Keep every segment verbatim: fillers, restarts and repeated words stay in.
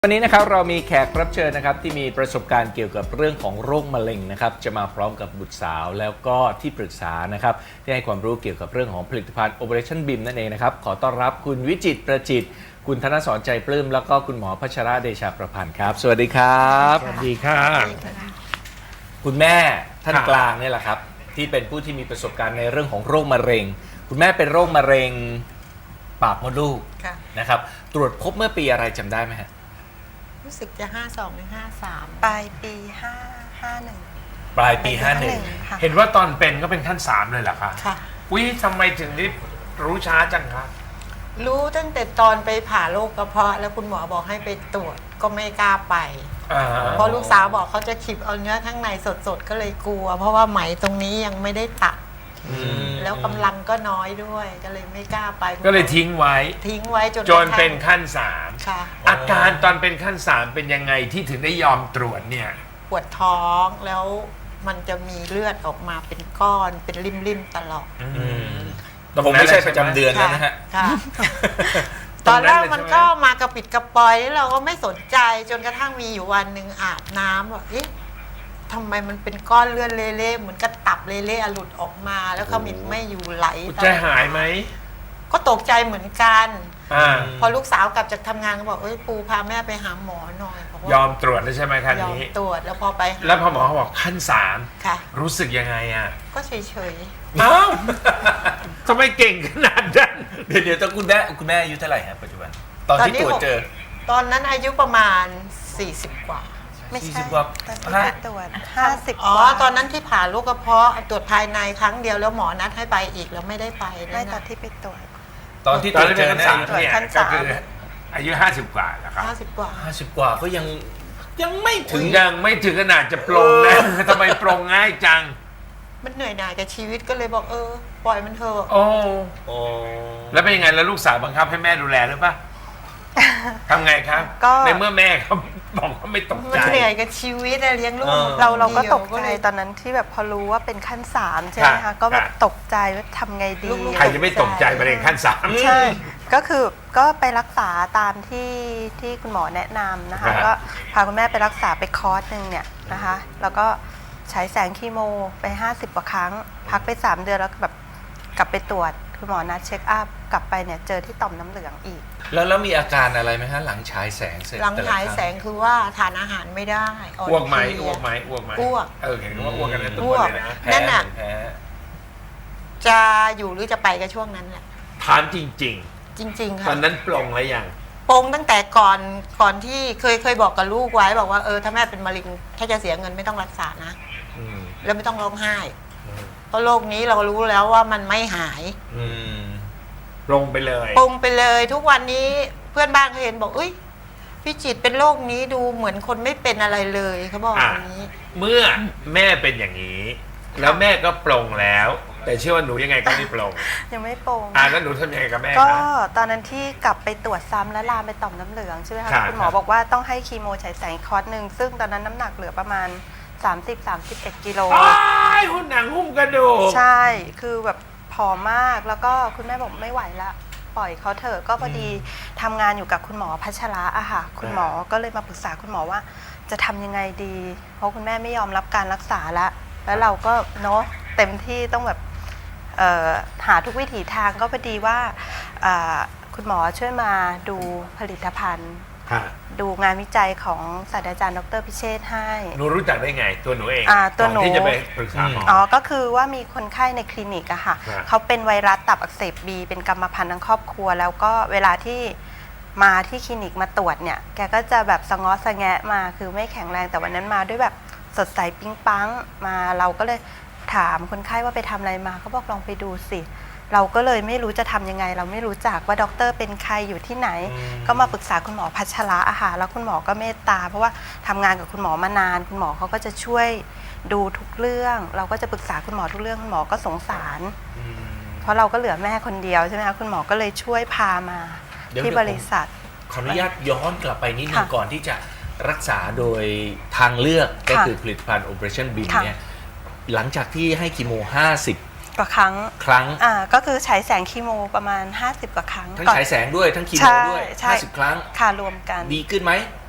วันนี้นะครับเรามีแขกรับเชิญนะครับที่มีประสบการณ์เกี่ยวกับเรื่องของโรคมะเร็งนะครับจะมาพร้อมกับบุตรสาวแล้วก็ที่ปรึกษานะครับที่ให้ความรู้เกี่ยวกับเรื่องของผลิตภัณฑ์ Operation บี เอ็ม นั่นเองนะครับขอต้อนรับคุณวิจิตรประจิตรคุณธนสรใจปลื้มแล้วก็คุณหมอพัชระเดชาประพันธ์ครับสวัสดีครับสวัสดีค่ะคุณแม่ท่านกลางนี่แหละครับที่เป็นผู้ที่มีประสบการณ์ในเรื่องของโรคมะเร็งคุณแม่เป็นโรคมะเร็งปากมดลูกนะครับตรวจพบเมื่อปีอะไรจำได้ไหมฮะรู้สึกจะห้าสองหรือห้าสามปลายปีห้าห้าหนึ่งปลายปีห้าหนึ่งเห็นว่าตอนเป็นก็เป็นขั้นสามเลยเหรอคะค่ะอุ้ยทำไมถึงได้รู้ช้าจังคะรู้ตั้งแต่ตอนไปผ่าโรคกระเพาะแล้วคุณหมอบอกให้ไปตรวจก็ไม่กล้าไปเพราะลูกสาวบอกเขาจะขีบเอาเนื้อข้างในสดๆก็เลยกลัวเพราะว่าไหมตรงนี้ยังไม่ได้ตัดแล้วกำลังก็น้อยด้วยก็เลยไม่กล้าไปก็เลยทิ้งไว้ทิ้งไว้จนจนเป็นขั้นสามค่ะอาการตอนเป็นขั้นสามเป็นยังไงที่ถึงได้ยอมตรวจเนี่ยปวดท้องแล้วมันจะมีเลือดออกมาเป็นก้อนเป็นริมๆตลอดแต่ผมไม่ใช่ประจำเดือนแล้วนะฮะตอนแรกมันก็มากระปิดกระปอยแล้วเราก็ไม่สนใจจนกระทั่งมีอยู่วันหนึ่งอาบน้ำบอกเอ๊ะทำไมมันเป็นก้อนเลือดเละๆเหมือนกระตับเละๆหลุดออกมาแล้วขมิบไม่อยู่ไหลใจหายไหมก็ตกใจเหมือนกันอพอลูกสาวกลับจากทำงานก็บอกเอ้ยปูพาแม่ไปหาหมอหน่อยยอมตรวจแล้วใช่ไหมคันนี้ยอมตรวจแล้วพอไปแล้วพอหมอเขาบอกขั้นสามค่ะรู้สึกยังไงอ่ะก็เฉยๆเอ้าทำไมเก่งขนาดนั้นเดี๋ยวเดี๋ยวต้องคุณแม่คุณแม่อายุเท่าไหร่ครับปัจจุบันตอนที่ตรวจเจอตอนนั้นอายุประมาณสี่สิบกว่าไม่ใช่ตอนที่ไปตรวจห้าสิบอ๋อตอนนั้นที่ผ่าโรคกระเพาะตรวจภายในครั้งเดียวแล้วหมอนัดให้ไปอีกแล้วไม่ได้ไปไม่ตอนที่ไปตรวจตอนที่ตรวจเจอขั้นสามเนี่ยก็คืออายุห้าสิบกว่าแล้วครับห้าสิบกว่าห้าสิบกว่าก็ยังยังไม่ถึงยังไม่ถึงขนาดจะปรงนะทำไมปรงง่ายจังมันเหนื่อยหน่ายกับชีวิตก็เลยบอกเออปล่อยมันเถอะโอ้โอ้แล้วเป็นยังไงแล้วลูกสาวบังคับให้แม่ดูแลหรือเปล่าทำไงครับในเมื่อแม่เขาบอกว่าไม่ตกใจมันเหนื่อยกับชีวิตเลี้ยงลูกเราเราก็ตกใจตอนนั้นที่แบบพอรู้ว่าเป็นขั้นสามใช่ไหมคะก็แบบตกใจว่าทำไงดีใครจะไม่ตกใจมะเร็งขั้นสามใช่ก็คือก็ไปรักษาตามที่ที่คุณหมอแนะนำนะคะก็พาคุณแม่ไปรักษาไปคอร์สหนึ่งเนี่ยนะคะแล้วก็ใช้แสงคีโมไปห้าสิบกว่าครั้งพักไปสามเดือนแล้วแบบกลับไปตรวจคุณหมอนัดเช็คอัพกลับไปเนี่ยเจอที่ต่อมน้ำเหลืองอีกแล้วแล้วมีอาการอะไรไหมฮะหลังฉายแสงเสร็จหลังฉายแสงคือว่าทานอาหารไม่ได้อ้วกไหมอ้วกไหมอ้วกไหมอ้วกเออเห็นว่าอ้วกกันทุกคนเลยนะนั่นน่ะจะอยู่หรือจะไปก็ช่วงนั้นแหละถามจริงจริงจริงๆค่ะตอนนั้นปลงแล้วยังปลงตั้งแต่ก่อนก่อนที่เคยเคยบอกกับลูกไว้บอกว่าเออถ้าแม่เป็นมะเร็งถ้าจะเสียเงินไม่ต้องรักษานะแล้วไม่ต้องร้องไห้เพราะโรคนี้เรารู้แล้วว่ามันไม่หายปลงไปเลยปลงไปเลยทุกวันนี้เพื่อนบ้านเขาเห็นบอกเอ้ยพี่จิตเป็นโรคนี้ดูเหมือนคนไม่เป็นอะไรเลยเขาบอกอย่างนี้เมื่อแม่เป็นอย่างนี้แล้วแม่ก็ปลงแล้วแต่เชื่อว่าหนูยังไงก็ไม่ปลงยังไม่ปลงอ่าแล้วหนูทำยังไงกับแม่ก็ตอนนั้นที่กลับไปตรวจซ้ำและลามไปต่อมน้ำเหลืองใช่ไหมคะคุณหมอบอกว่าต้องให้คีโมฉายแสงคอร์สหนึ่งซึ่งตอนนั้นน้ำหนักเหลือประมาณสามสิบ สามสิบเอ็ดกิโลหุ่นหนังหุ้มกระดูกใช่คือแบบผอมมากแล้วก็คุณแม่บอกไม่ไหวละปล่อยเขาเถอะก็พอดีทำงานอยู่กับคุณหมอพัชระอะค่ะคุณหมอก็เลยมาปรึกษาคุณหมอว่าจะทำยังไงดีเพราะคุณแม่ไม่ยอมรับการรักษาละแล้วเราก็เนาะเต็มที่ต้องแบบหาทุกวิถีทางก็พอดีว่าคุณหมอช่วยมาดูผลิตภัณฑ์ดูงานวิจัยของศาสตราจารย์ดร.พิเชษฐ์ให้หนูรู้จักได้ไงตัวหนูเองตัวหนูที่จะไปปรึกษาหมออ๋อก็คือว่ามีคนไข้ในคลินิกอะค่ะเขาเป็นไวรัสตับอักเสบบีเป็นกรรมพันธุ์ทั้งครอบครัวแล้วก็เวลาที่มาที่คลินิกมาตรวจเนี่ยแกก็จะแบบสะง้อสะแงะมาคือไม่แข็งแรงแต่วันนั้นมาด้วยแบบสดใสปิ๊งปังมาเราก็เลยถามคนไข้ว่าไปทำอะไรมาเขาบอกลองไปดูสิเราก็เลยไม่รู้จะทำยังไงเราไม่รู้จักว่าด็อกเตอร์เป็นใครอยู่ที่ไหนก็มาปรึกษาคุณหมอพัชระอาหารแล้วคุณหมอก็เมตตาเพราะว่าทำงานกับคุณหมอมานานคุณหมอเขาก็จะช่วยดูทุกเรื่องเราก็จะปรึกษาคุณหมอทุกเรื่องคุณหมอก็สงสารเพราะเราก็เหลือแม่คนเดียวใช่ไหมคะคุณหมอก็เลยช่วยพามาที่บริษัทขออนุญาตย้อนกลับไปนิดนึงก่อนที่จะรักษาโดยทางเลือกก็คือผลิตภัณฑ์ Operation บี เอ็ม เนี่ยหลังจากที่ให้คีโมห้าสิบกว่าครั้งครั้งอ่าก็คือฉายแสงคีโมประมาณห้าสิบกว่าครั้งทั้งฉายแสงด้วยทั้งคีโมด้วยห้าสิบครั้งค่ะรวมกันดีขึ้นไหม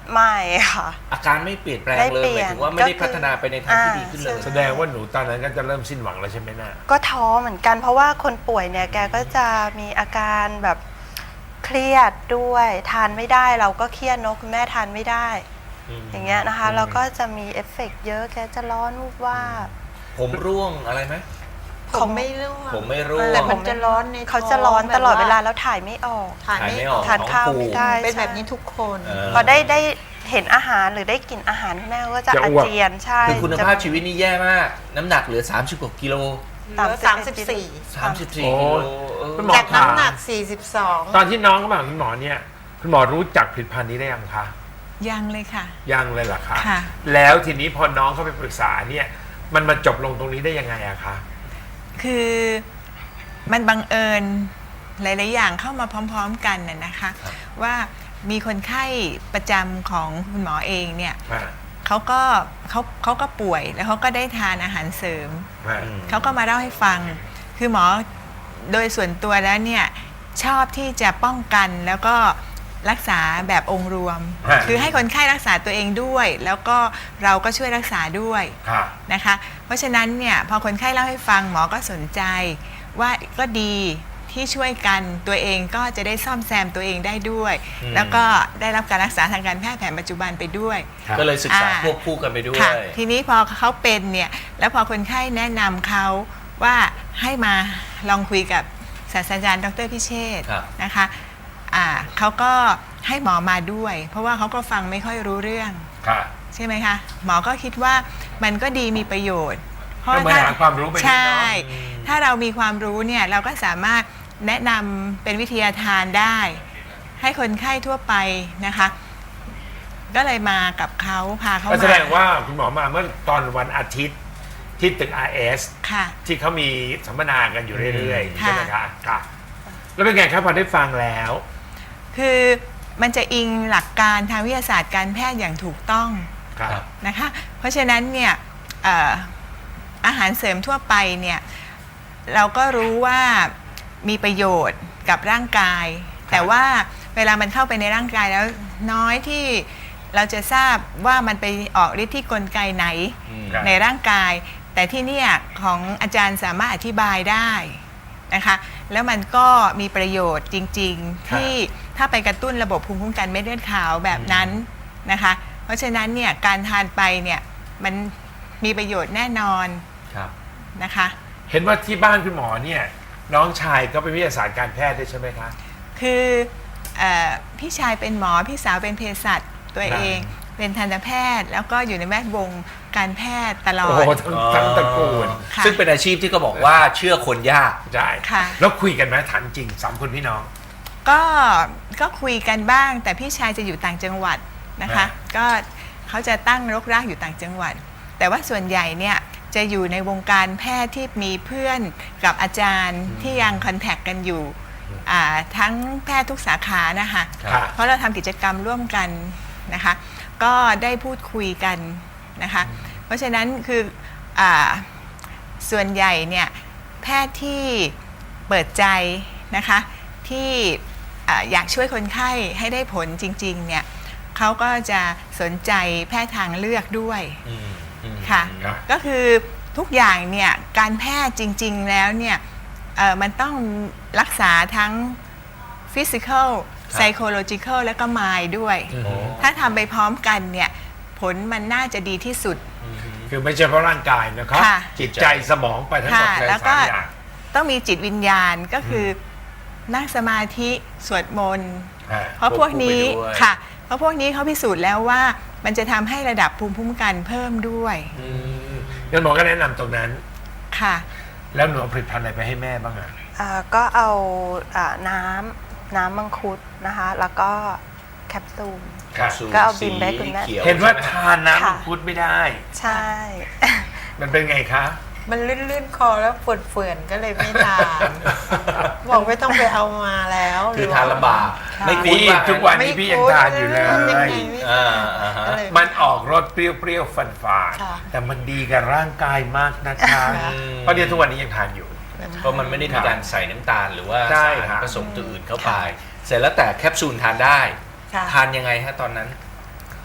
ไม่ค่ะอาการไม่เปลี่ยนแปลงไม่เลยเปลี่หยนมายถึงว่าไม่ได้ก็คือพัฒนาไปในทางที่อ่าดีขึ้นเลยแสดงว่าหนูตอนนั้นก็จะเริ่มสิ้นหวังแล้วใช่ไหมน่ะก็ท้อเหมือนกันเพราะว่าคนป่วยเนี่ยแกก็จะมีอาการแบบเครียดด้วยทานไม่ได้เราก็เครียดเนอะคุณแม่ทานไม่ได้ อย่างเงี้ยนะคะแล้วก็จะมีเอฟเฟกต์เยอะแกจะร้อนวูบว่าบผมร่วงอะไรไหมผมไม่ร่วงผมไม่ร่วงแต่มันจะร้อนในท้องเขาจะร้อนตลอดเวลาแบบแล้วถ่ายไม่ออกถ่ายไม่ออกทานข้าวไม่ได้เป็นใช่แบบนี้ทุกคนเออพอได้ได้เห็นอาหารหรือได้กลิ่นอาหารคุณแม่ก็จะจะอาอ้วกเจียนใช่คือคุณภาพชีวิตนี่แย่มาก น้ำหนักเหลือสามสิบกว่ากิโลเหลือสามสิบสี่สามสิบสี่โอ้กิโลเออคุณหมอจากน้ำหนักสี่สิบสองตอนที่น้องเข้ามาหาคุณหมอเนี่ยคุณหมอรู้จักผลิตภัณฑ์นี้ได้ยังคะยังเลยค่ะยังเลยเหรอคะค่ะแล้วทีนี้พอน้องเข้าไปปรึกษาเนี่ยมันมาจบลงตรงนี้ได้ยังไงอะคะคือมันบังเอิญหลาย ๆ อย่างเข้ามาพร้อม ๆ กันน่ะนะคะ ว่ามีคนไข้ประจำของคุณหมอเองเนี่ยอ่าเขาก็เขาเขาก็ป่วยแล้วเขาก็ได้ทานอาหารเสริมอ่าเขาก็มาเล่าให้ฟัง คือหมอโดยส่วนตัวแล้วเนี่ยชอบที่จะป้องกันแล้วก็รักษาแบบองค์รวม คือให้คนไข้รักษาตัวเองด้วย แล้วก็เราก็ช่วยรักษาด้วยค่ะนะคะ เพราะฉะนั้นเนี่ยพอคนไข้เล่าให้ฟังหมอก็สนใจว่าก็ดีที่ช่วยกันตัวเองก็จะได้ซ่อมแซมตัวเองได้ด้วย แล้วก็ได้รับการรักษาทางการแพทย์แผนปัจจุบันไปด้วยครับก็เลยศึกษาอ่าควบคู่กันไปด้วยค่ะทีนี้พอเขาเป็นเนี่ยแล้วพอคนไข้แนะนำเขาว่าให้มาลองคุยกับศาสตราจารย์ดรพิเชษฐ์ครับนะคะอ่าเขาก็ให้หมอมาด้วย เพราะว่าเขาก็ฟังไม่ค่อยรู้เรื่องค่ะใช่ไหมคะหมอก็คิดว่ามันก็ดีมีประโยชน์ เพราะก็เหมือนหาความรู้ไปด้วยเนอะใช่ถ้าเรามีความรู้เนี่ยเราก็สามารถแนะนำเป็นวิทยาทานได้ ให้คนไข้ทั่วไปนะคะ ก็เลยมากับเขาพาเขาก็มาแสดงว่าคุณหมอมาเมื่อตอนวันอาทิตย์ที่ตึก อาร์ เอสค่ะที่เขามีสัมมนากันอยู่เรื่อยๆค่ะใช่ไหมคะค่ะ แล้วเป็นไงครับพอได้ฟังแล้วคือมันจะอิงหลักการทางวิทยาศาสตร์การแพทย์อย่างถูกต้องครับนะคะ เพราะฉะนั้นเนี่ยเอ่ออาหารเสริมทั่วไปเนี่ยเราก็รู้ว่ามีประโยชน์กับร่างกาย แต่ว่าเวลามันเข้าไปในร่างกายแล้วน้อยที่เราจะทราบว่ามันไปออกฤทธิ์ที่กลไกไหนอืมครับในร่างกาย แต่ที่เนี่ยของอาจารย์สามารถอธิบายได้นะคะแล้วมันก็มีประโยชน์จริงๆที่ถ้าไปกระตุ้นระบบภูมิคุ้มกันเม็ดเลือดขาวแบบนั้นนะคะเพราะฉะนั้นเนี่ยการทานไปเนี่ยมันมีประโยชน์แน่นอนครับนะคะเห็นว่าที่บ้านคุณหมอเนี่ยน้องชายก็เป็นวิทยาศาสตร์การแพทย์ด้วยใช่ไหมคะคือเออพี่ชายเป็นหมอพี่สาวเป็นเภสัชตัวเอง เป็นทันตแพทย์ แล้วก็อยู่ในแวดวงการแพทย์ตลอโอ้ดโหทั้งทั้งตระกูลค่ะซึ่งเป็นอาชีพที่ก็บอกว่าเชื่อคนยากใช่ค่ะแล้วคุยกันไหมถามจริงสามคนพี่น้องก็ก็คุยกันบ้างแต่พี่ชายจะอยู่ต่างจังหวัดนะคะอ่าก็เขาจะตั้งรกรากอยู่ต่างจังหวัด แต่ว่าส่วนใหญ่เนี่ยจะอยู่ในวงการแพทย์ที่มีเพื่อนกับอาจารย์ที่ยังคอนแทคกันอยู่อ่าทั้งแพทย์ทุกสาขานะคะค่ะเพราะเราทำกิจกรรมร่วมกันนะคะ ก็ได้พูดคุยกันนะคะ เพราะฉะนั้นคืออาส่วนใหญ่เนี่ยแพทย์ที่เปิดใจนะคะที่อ่าอยากช่วยคนไข้ให้ได้ผลจริงๆเนี่ยเขาก็จะสนใจแพทย์ทางเลือกด้วยอืมอืมค่ะครับก็คือทุกอย่างเนี่ยการแพทย์จริงๆแล้วเนี่ยเอ่อมันต้องรักษาทั้ง physical psychological และก็ mind ด้วยโอ้ถ้าทำไปพร้อมกันเนี่ยผลมันน่าจะดีที่สุดคือไม่ใช่เพราะร่างกายนะครับค่ะจิตใจสมองไปทั้งหมดค่ะเลยแล้วก็สามอย่างต้องมีจิตวิญญาณก็คืออนั่งสมาธิสวดมนต์อ่าเพราะพวกนี้ควบคู่ไปด้วยค่ะ เพราะพวกนี้เขาพิสูจน์แล้วว่ามันจะทำให้ระดับภูมิคุ้มกันเพิ่มด้วยอืมงั้นหมอก็แนะนำตรงนั้นค่ะแล้วหนูเอาผลิตภัณฑ์อะไรไปให้แม่บ้างอ่ะอ่าก็เอาอ่าน้ำน้ำมังคุดนะคะ แล้วก็แคปซูลครับสูตรก็เอาบิมไปให้คุณแม่สีขียวเห็นว่าใช่ไมทานน้ำค่ะมังคุดไม่ได้ใช่มันเป็นไงคะมันลื่นๆคอแล้วปวดเฟื่อนก็เลยไม่ทาน บอกไม่ต้องไปเอามาแล้วคือทานลำบากค่ะไม่คุ้นนี่ว่าทุกวันไม่นี้พี่ยังทานอยู่เลยคุ้นยังไงไม่อ่าอ่าฮะก็เลยมันออกรสเปรี้ยวๆฟันฝาดค่ะแต่มันดีกับร่างกายมากนะคะค่ะเพราะเดี๋ยวทุกวันนี้ยังทานอยู่เพราะมันไม่ได้มีการใส่น้ำตาลหรือว่าใช่สารครับผสมตัวอื่นเข้าไป เสร็จแล้วแต่แคปซูลทานได้ค่ะทานยังไงฮะตอนนั้น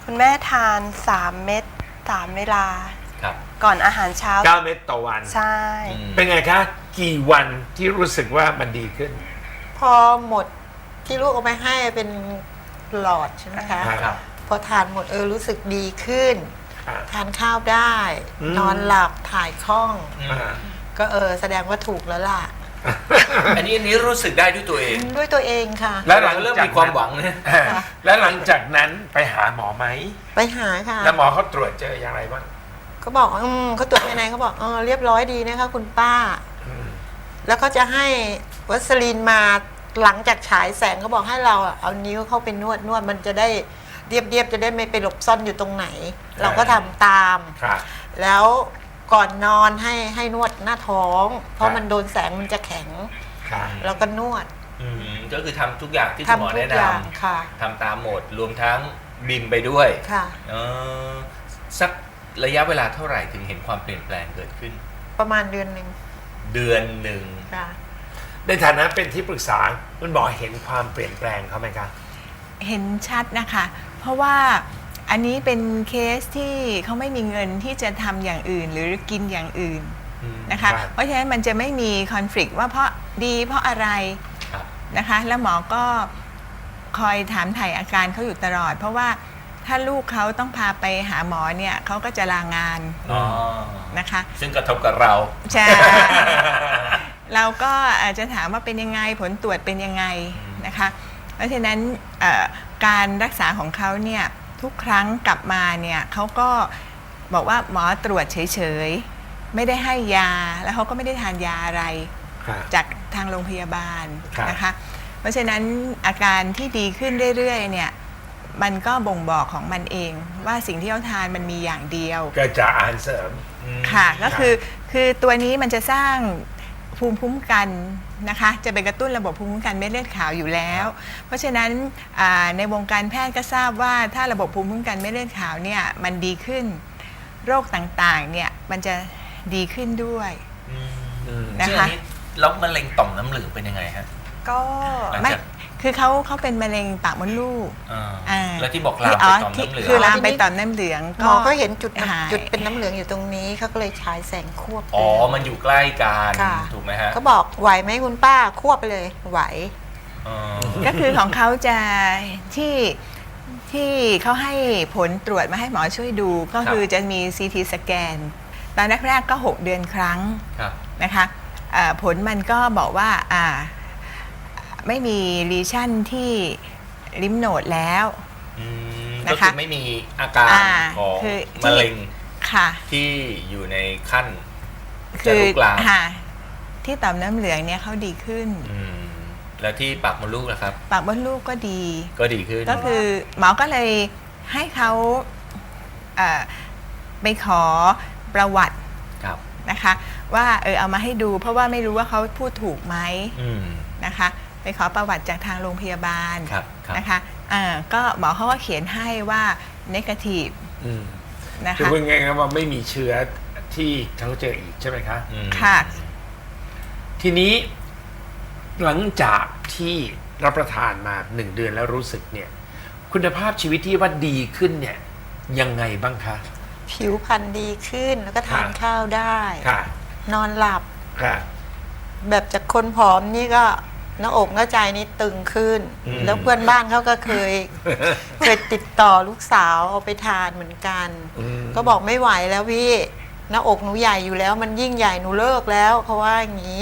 คุณแม่ทานสามเม็ดสามเวลาครับก่อนอาหารเช้าเก้าเม็ดต่อวันใช่อืมเป็นไงคะ กี่วันที่รู้สึกว่ามันดีขึ้นพอหมดที่ลูกเอาไปให้เป็นหลอดใช่ไหมคะครับพอทานหมดเออรู้สึกดีขึ้นครับทานข้าวได้อืมนอนหลับถ่ายคล่องอ่าก็เออแสดงว่าถูกแล้วล่ะอันนี้อันนี้รู้สึกได้ด้วยตัวเองด้วยตัวเองค่ะแล้วหลังเริ่มจากมีความหวังนะอ่าแล้วหลังจากนั้นไปหาหมอไหมไปหาค่ะแล้วหมอเขาตรวจเจออย่างไรบ้างเขาบอกอืมเขาตรวจภายในเขาบอกเออเรียบร้อยดีนะคะคุณป้าอืมแล้วเขาจะให้วัสลีนมาหลังจากฉายแสงเขาบอกให้เราอะเอานิ้วเข้าไปนวดนวดมันจะได้เรียบเรียบๆจะได้ไม่ไปหลบซ่อนอยู่ตรงไหน เราก็ทำตามค่ะแล้วก่อนนอนให้ให้นวดหน้าท้อง เพครัราะบมันโดนแสงมันจะแข็งค่ะเราก็นวดอืมก็คือทำทุกอย่างที่คุณหมอทำทุแนะกนอย่างค่ะำทำตามหมดรวมทั้งบิมไปด้วยค่ะเออสักระยะเวลาเท่าไหร่ถึงเห็นความเปลี่ยนแปลงเกิดขึ้นประมาณเดือนหนึ่งเดือนหนึ่งค่ะในฐานะเป็นที่ปรึกษาคุณหมอเห็นความเปลี่ยนแปลงเขาไหมคะเห็นชัดนะคะ เพราะว่าอันนี้เป็นเคสที่เขาไม่มีเงินที่จะทำอย่างอื่นหรือกินอย่างอื่นนะคะครับเพราะฉะนั้นมันจะไม่มีคอน FLICT ว่าเพราะดีเพราะอะไรครับนะคะ แล้วหมอก็คอยถามถ่ายอาการเขาอยู่ตลอด เพราะว่าถ้าลูกเขาต้องพาไปหาหมอเนี่ยเขาก็จะลางานอ๋อนะคะซึ่งกระทบกับเราใช่ เราก็อาจจะถามว่าเป็นยังไงผลตรวจเป็นยังไงนะคะ เพราะฉะนั้นเอ่อการรักษาของเขาเนี่ยทุกครั้งกลับมาเนี่ยเขาก็บอกว่าหมอตรวจเฉยๆไม่ได้ให้ยาแล้วเขาก็ไม่ได้ทานยาอะไรค่ะจากทางโรงพยาบาลครับนะคะ เพราะฉะนั้นอาการที่ดีขึ้นเรื่อยๆเนี่ยมันก็บ่งบอกของมันเองว่าสิ่งที่เขาทานมันมีอย่างเดียวก็จะอาหารเสริมค่ะก็คือคือตัวนี้มันจะสร้างภูมิคุ้มกันนะคะจะไปกระตุ้นระบบภูมิคุ้มกันเม็ดเลือดขาวอยู่แล้ว เพราะฉะนั้นอ่าในวงการแพทย์ก็ทราบว่าถ้าระบบภูมิคุ้มกันเม็ดเลือดขาวเนี่ยมันดีขึ้นโรคต่างๆเนี่ยมันจะดีขึ้นด้วย นะซึ่งคะอันนี้แล้วมะเร็งต่อมน้ำเหลืองเป็นยังไงฮะก็หลังไม่จากคือเขาเขาเป็นมะเร็งปากมดลูกอ่าอ่าแล้วที่บอกลามไปอ๋อต่อมที่น้ำเหลืองคือลามไปต่อมน้ำเหลืองหมอก็เห็นจุดน้ำหายจุดเป็นน้ำเหลืองอยู่ตรงนี้เขาก็เลยฉายแสงควบไปอ๋อ มันอยู่ใกล้กันค่ะถูกไหมฮะเขาบอกไหวไหมคุณป้าควบไปเลยไหวอ๋อก็คือของเขาจะที่ที่เขาให้ผลตรวจมาให้หมอช่วยดูก็คือจะมี ซี ที สแกนตอนแรกๆก็หกเดือนครั้งครับนะคะเอ่อผลมันก็บอกว่าอ่าไม่มีลีชั่นที่ลิมโนดแล้วอืมนะคะก็คือไม่มีอาการอ่าของคือที่มะเร็งค่ะที่อยู่ในขั้นจะคือลุกลามค่ะที่ต่อมน้ำเหลืองเนี่ยเขาดีขึ้นอืมแล้วที่ปากมดลูกนะครับปากมดลูกก็ดีก็ดีขึ้นก็คือหมอก็เลยให้เขาเอ่อไปขอประวัติครับนะคะว่าเออเอามาให้ดูเพราะว่าไม่รู้ว่าเขาพูดถูกไหมอืมนะคะไปขอประวัติจากทางโรงพยาบาลครับครับนะคะอ่าก็หมอเขาก็เขียนให้ว่า negative อืมนะคือคะพูดง่ายๆว่าไม่มีเชื้อที่เขาเจออีกใช่ไหมคะอืมค่ะทีนี้หลังจากที่รับประทานมาหนึ่งเดือนแล้วรู้สึกเนี่ย คุณภาพชีวิตที่ว่าดีขึ้นเนี่ยยังไงบ้างคะผิวพรรณดีขึ้นแล้วก็ทานค่ะข้าวได้ค่ะนอนหลับค่ะแบบจากคนผอมนี่ก็หน้าอกหน้าใจนี่ตึงขึ้นอืมแล้วเพื่อนบ้านเขาก็เคย เคยติดต่อลูกสาวเอาไปทานเหมือนกันอืมก็บอกไม่ไหวแล้วพี่หน้าอกหนูใหญ่อยู่แล้ว มันยิ่งใหญ่หนูเลิกแล้วเขาว่าอย่างนี้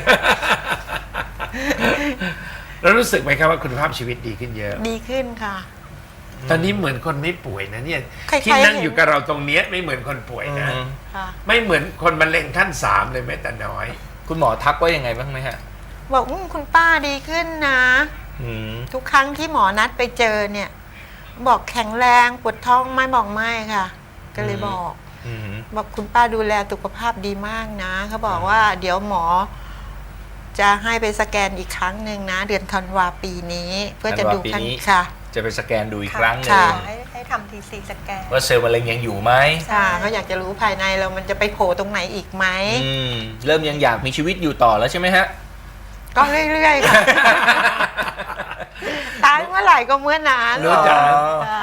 แล้วรู้สึกไหมครับว่าคุณภาพชีวิตดีขึ้นเยอะดีขึ้นค่ะตอนนี้เหมือนคนไม่ป่วยนะเนี่ยใครๆที่นั่งเห็นอยู่กับเราตรงเนี้ยไม่เหมือนคนป่วยนะอืมค่ะไม่เหมือนคนมะเร็งขั้นสามเลยแม้แต่น้อยคุณหมอทักว่ายังไงบ้างไหมฮะบอกอมคุณป้าดีขึ้นนะอืมทุกครั้งที่หมอนัดไปเจอเนี่ย บอกแข็งแรงปวดท้องไหม่บอกไม่ค่ะ ก็เลยบอกอืมบอกคุณป้าดูแลสุขภาพดีมากนะเขาบอกว่าเดี๋ยวหมอ จะให้ไปสแกนอีกครั้งหนึ่งนะ เดือนธันวาปีนี้ เพื่อจะดูธันวาปีขั้นนี้ค่ะจะไปสแกนดูอีกครั้งหนึ่งค่ะให้ให้ทำทีซีสแกนว่าเซลล์มะเร็งยังอยู่ไหมค่ะเขาอยากจะรู้ภายในเรามันจะไปโผล่ตรงไหนอีกไหมอืมเริ่มยังอยากมีชีวิตอยู่ต่อแล้วใช่ไหมฮะก็เรื่อยๆค่ะ ตายเมื่อไหร่ก็เมื่อนั้นรู้จักค่ะ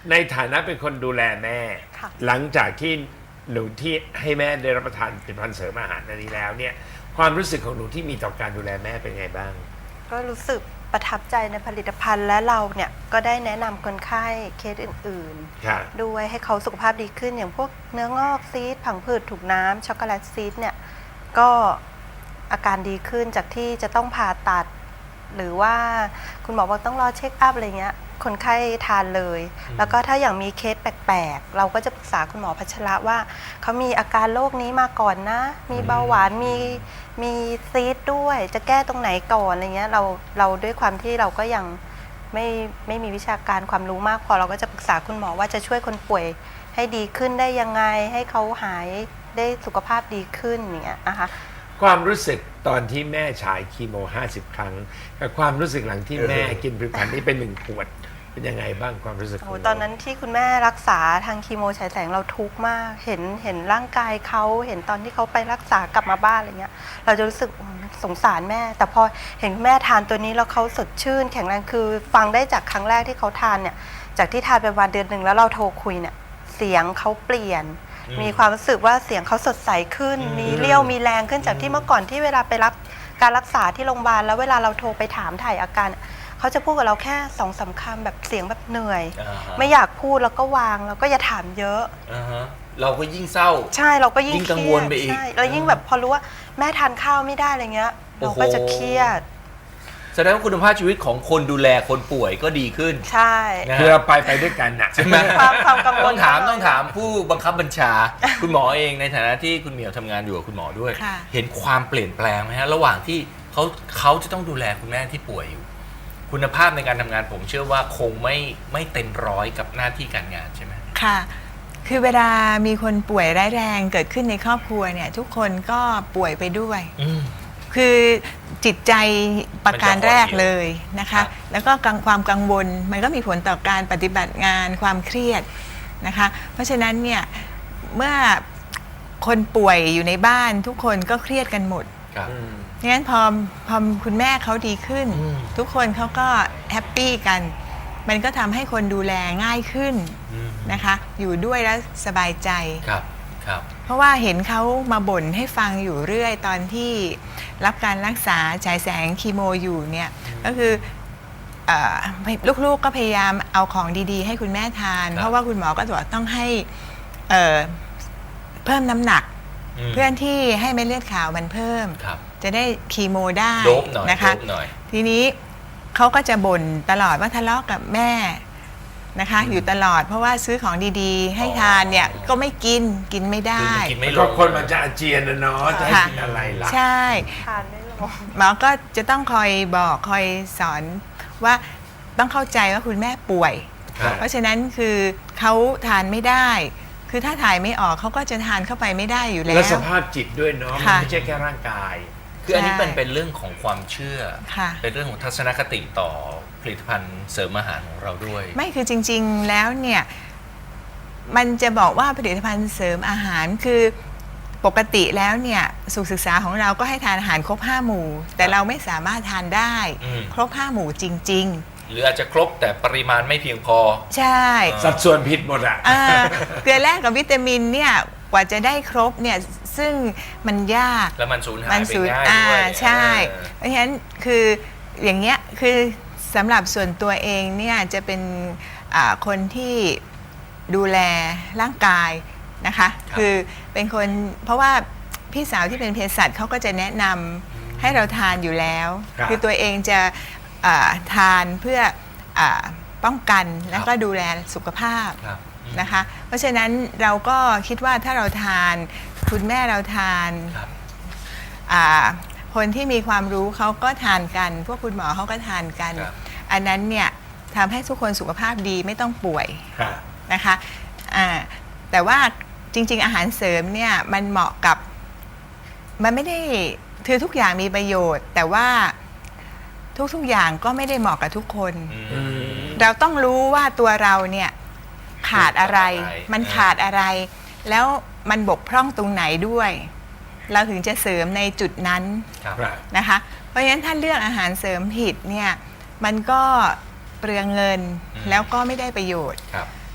ในฐานะเป็นคนดูแลแม่ค่ะหลังจากที่หนูที่ให้แม่ได้รับประทานผลิตภัณฑ์เสริมอาหารอันนี้แล้วเนี่ยความรู้สึกของหนูที่มีต่อการดูแลแม่เป็นไงบ้างก็รู้สึกประทับใจในผลิตภัณฑ์และเราเนี่ยก็ได้แนะนำคนไข้เคสอื่นค่ะๆ ด้วยให้เขาสุขภาพดีขึ้นอย่างพวกเนื้องอกซีสผังผืดถูกน้ำช็อกโกแลตซีสเนี่ยก็อาการดีขึ้นจากที่จะต้องผ่าตัด หรือว่าคุณหมอบอกต้องรอเช็คอัพอะไรเงี้ยคนไข้ทานเลย แล้วก็ถ้าอย่างมีเคสแปลกๆเราก็จะปรึกษาคุณหมอพัชระว่าเขามีอาการโรคนี้มาก่อนนะ มีเบาหวานมีมีซีสด้วยจะแก้ตรงไหนก่อนอะไรเงี้ยเราเราด้วยความที่เราก็ยังไม่ไม่มีวิชาการความรู้มากพอเราก็จะปรึกษาคุณหมอว่าจะช่วยคนป่วยให้ดีขึ้นได้ยังไงให้เขาหายได้สุขภาพดีขึ้นอย่างเงี้ยนะคะความรู้สึกตอนที่แม่ฉายคีโมห้าสิบครั้งกับความรู้สึกหลังที่แม่กินผลิตภัณฑ์นี้เป็นหนึ่งขวดเป็นยังไงบ้างความรู้สึกขโอ้องตอนนั้นที่คุณแม่รักษาทางคีโมฉายแสงเราทุกข์มากเห็นเห็นร่างกายเขาเห็นตอนที่เขาไปรักษากลับมาบ้านอะไรเงี้ยเราจะรู้สึกอืมสงสารแม่ แต่พอเห็นคุณแม่ทานตัวนี้แล้วเขาสดชื่น แข็งแรงคือฟังได้จากครั้งแรกที่เขาทานเนี่ยจากที่ทานไปวันเดือนหนึ่งแล้วเราโทรคุยเนี่ยเสียงเขาเปลี่ยน มีความรู้สึกว่าเสียงเขาสดใสขึ้น มีเรี่ยวมีแรงขึ้นจากที่เมื่อก่อนที่เวลาไปรับการรักษาที่โรงพยาบาลแล้วเวลาเราโทรไปถามถ่ายอาการเขาจะพูดกับเราแค่สองสามคำแบบเสียงแบบเหนื่อยอ่าฮะไม่อยากพูดแล้วก็วางแล้วก็อย่าถามเยอะอ่าฮะเราก็ยิ่งเศร้าใช่เราก็ยิ่งยิ่งกังวลไปอีกใช่แล้วยิ่งแบบพอรู้ว่าแม่ทานข้าวไม่ได้อะไรเงี้ยโอ้เราโหก็จะเครียดแสดงว่าคุณภาพชีวิตของคนดูแลคนป่วยก็ดีขึ้นใช่นะคือเราไปไปด้วยกันนะใช่ไหมความความกังวลต้องถามต้องถามผู้บังคับบัญชา คุณหมอเองในฐานะที่คุณเหมียวทำงานอยู่กับคุณหมอด้วยค่ะเห็นความเปลี่ยนแปลงไหมฮะระหว่างที่เขาเขาจะต้องดูแลคุณแม่ที่ป่วยอยู่ คุณภาพในการทำงานผมเชื่อว่าคงไม่ไม่เต็มร้อยกับหน้าที่การงานใช่ไหมค่ะ คือเวลามีคนป่วยร้ายแรงเกิดขึ้นในครอบครัวเนี่ยทุกคนก็ป่วยไปด้วยอืมคือจิตใจประการแรกเลยนะครัคะบแล้วก็กังความกังวลมันก็มีผลต่อการปฏิบัติงานความเครียดนะคะ เพราะฉะนั้นเนี่ยเมื่อคนป่วยอยู่ในบ้านทุกคนก็เครียดกันหมดครับงั้นพอพอคุณแม่เขาดีขึ้นอืมทุกคนเขาก็แฮปปี้กัน มันก็ทำให้คนดูแลง่ายขึ้นอืมนะคะ อยู่ด้วยแล้วสบายใจครับครับเพราะว่าเห็นเขามาบ่นให้ฟังอยู่เรื่อยตอนที่รับการรักษาฉายแสงคีโมอยู่เนี่ยก็คือเอ่อลูกๆก็พยายามเอาของดีๆ ให้คุณแม่ทานครับเพราะว่าคุณหมอก็บอกต้องให้เอ่อเพิ่มน้ำหนักมเพื่อนที่ให้เม็ดเลือดขาวมันเพิ่มครับจะได้คีโมได้โดบหน่อยนะคะโดบหน่อยทีนี้เขาก็จะบ่นตลอดว่าทะเลาะกับแม่นะคะอืมอยู่ตลอดเพราะว่าซื้อของดีๆ ให้อ๋อทานเนี่ยก็ไม่กินกินไม่คือได้มันกินไม่ลก็งคนมันจะอาเจียนนะเนาะจะให้ค่ะกินอะไรล่ะใช่ทานไม่ลงหมอก็จะต้องคอยบอกคอยสอนว่าต้องเข้าใจว่าคุณแม่ป่วยครับเพราะฉะนั้นคือเขาทานไม่ได้ คือถ้าถ่ายไม่ออกเขาก็จะทานเข้าไปไม่ได้อยู่แล้และวสภาพจิตด้วยเนาะค่ะไม่ใช่แค่ร่างกายคืออันนี้ใช่เป็นเป็นเรื่องของความเชื่อค่ะเป็นเรื่องของทัศนคติต่อผลิตภัณฑ์เสริมอาหารของเราด้วยไม่คือจริงๆแล้วเนี่ยมันจะบอกว่าผลิตภัณฑ์เสริมอาหารคือปกติแล้วเนี่ยสุขศึกษาของเราก็ให้ทานอาหารครบห้าหมู่ แต่เราไม่สามารถทานได้อืมครบห้าหมู่จริงหรืออาจจะครบแต่ปริมาณไม่เพียงพอๆ ใช่สัดส่วนผิดหมดอ่ะอ่าเกลือแร่กับวิตามินเนี่ยกว่าจะได้ครบเนี่ยซึ่งมันยากแล้วมันสูญหายมันไปสูญง่ายอ่าด้วยใช่เออเพราะฉะนั้นคืออย่างเงี้ยคือสำหรับส่วนตัวเองเนี่ยจะเป็นอ่าคนที่ดูแลร่างกายนะคะคือเป็นคนเพราะว่าพี่สาวที่เป็นเภสัชเขาก็จะแนะนำให้เราทานอยู่แล้วครับคือตัวเองจะอ่าทานเพื่ออาป้องกันแล้วก็ดูแลสุขภาพครับอืมนะคะเพราะฉะนั้นเราก็คิดว่าถ้าเราทานคุณแม่เราทานครับอ่าคนที่มีความรู้เขาก็ทานกัน พวกคุณหมอเขาก็ทานกันครับอันนั้นเนี่ยทำให้ทุกคนสุขภาพดีไม่ต้องป่วยค่ะนะคะอ่าแต่ว่าจริงๆอาหารเสริมเนี่ยมันเหมาะกับมันไม่ได้คือทุกอย่างมีประโยชน์ แต่ว่าทุกๆอย่างก็ไม่ได้เหมาะกับทุกคนอืมเราต้องรู้ว่าตัวเราเนี่ยขาดอะไรขาดอะไรมันขาดอะไร แล้วมันบกพร่องตรงไหนด้วย เราถึงจะเสริมในจุดนั้นครับครับนะคะ เพราะฉะนั้นถ้าเลือกอาหารเสริมผิดเนี่ยมันก็เปลืองเงินอืมแล้วก็ไม่ได้ประโยชน์ครับ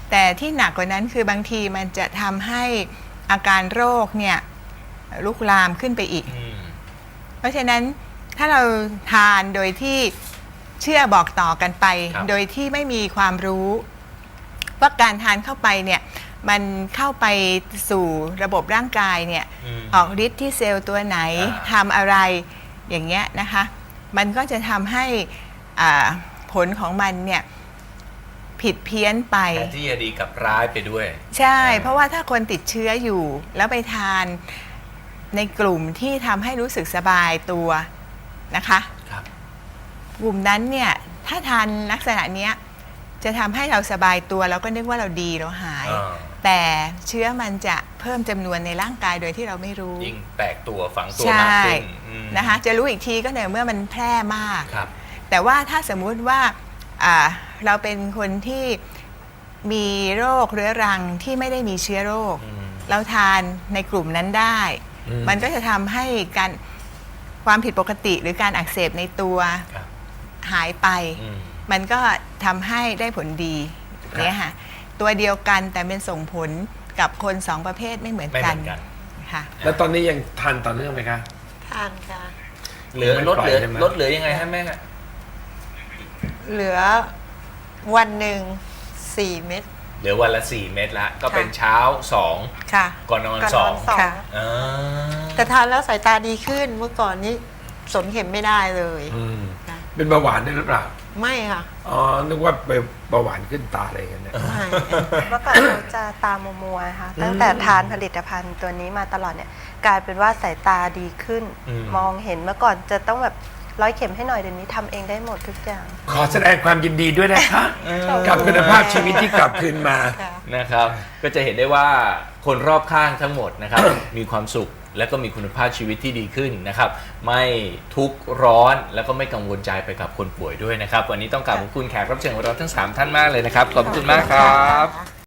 แต่ที่หนักกว่านั้นคือบางทีมันจะทำให้อาการโรคเนี่ยลุกลามขึ้นไปอีกอืมเพราะฉะนั้นถ้าเราทานโดยที่เชื่อบอกต่อกันไปครับโดยที่ไม่มีความรู้ว่าการทานเข้าไปเนี่ยมันเข้าไปสู่ระบบร่างกายเนี่ยมออกฤทธิ์ที่เซลล์ตัวไหนอ่าทำอะไรอย่างเงี้ยนะคะมันก็จะทำให้อ่าผลของมันเนี่ยผิดเพี้ยนไปแทนที่จะดีกับร้ายไปด้วยใช่อ่าเพราะว่าถ้าคนติดเชื้ออยู่ แล้วไปทานในกลุ่มที่ทำให้รู้สึกสบายตัวนะคะครับกลุ่มนั้นเนี่ยถ้าทานลักษณะเนี้ยจะทำให้เราสบายตัวแล้วก็นึกว่าเราดีเราหายอ่าแต่เชื้อมันจะเพิ่มจำนวนในร่างกายโดยที่เราไม่รู้ยิ่งแตกตัวฝังตัวใช่มากขึ้นอืมนะคะจะรู้อีกทีก็เนี่ยเมื่อมันแพร่มากครับแต่ว่าถ้าสมมุติว่าอ่าเราเป็นคนที่มีโรคเรื้อรังที่ไม่ได้มีเชื้อโรคอืมเราทานในกลุ่มนั้นได้อืมมันก็จะทำให้การความผิดปกติหรือการอักเสบในตัวครับหายไปอืมมันก็ทำให้ได้ผลดีเนี่ยค่ะตัวเดียวกันแต่เป็นส่งผลกับคนสองประเภทไม่เหมือนไม่เหกัมืนอนกันค่ะแล้วตอนนี้ยังทานต่อเนื่องไหมคะทานค่ะเหลือไม่ลดปล่อยเหลือใช่ไหมลดเหลือยังไงฮะแม่เหลือวันหนึ่งสี่เม็ดเหลือวันละสี่เม็ดละก็เป็นเช้าสองค่ะก่อนนอนก่อนสนออง นสองค่ะอ่าแต่ทานแล้วสายตาดีขึ้นเมื่อก่อนนี้สนเข็มไม่ได้เลยอืมค่ะเป็นเบาหวานด้วยหรือเปล่าไม่ค่ะอ๋อ นึกว่าไปเบาหวานขึ้นตาอะไรกันเนี่ยไม่เมื่อก่อนเราจะตามัวๆค่ะตั้งแต่ทานผลิตภัณฑ์ตัวนี้มาตลอดเนี่ยกลายเป็นว่าสายตาดีขึ้นอืมมองเห็นเมื่อก่อนจะต้องแบบร้อยเข็มให้หน่อยเดี๋ยวนี้ทำเองได้หมดทุกอย่างขอแสดงความยินดีด้วยนะคะ กับคุณภาพชีวิตที่กลับคืนมาค่ะนะครับ ก็จะเห็นได้ว่าคนรอบข้างทั้งหมดนะครับ มีความสุขและก็มีคุณภาพชีวิตที่ดีขึ้นนะครับ ไม่ทุกข์ร้อนแล้วก็ไม่กังวลใจไปกับคนป่วยด้วยนะครับ วันนี้ต้องกราบขอบคุณแขกรับเชิญของเราทั้งสามท่านมากเลยนะครับ ขอบคุณมากครับ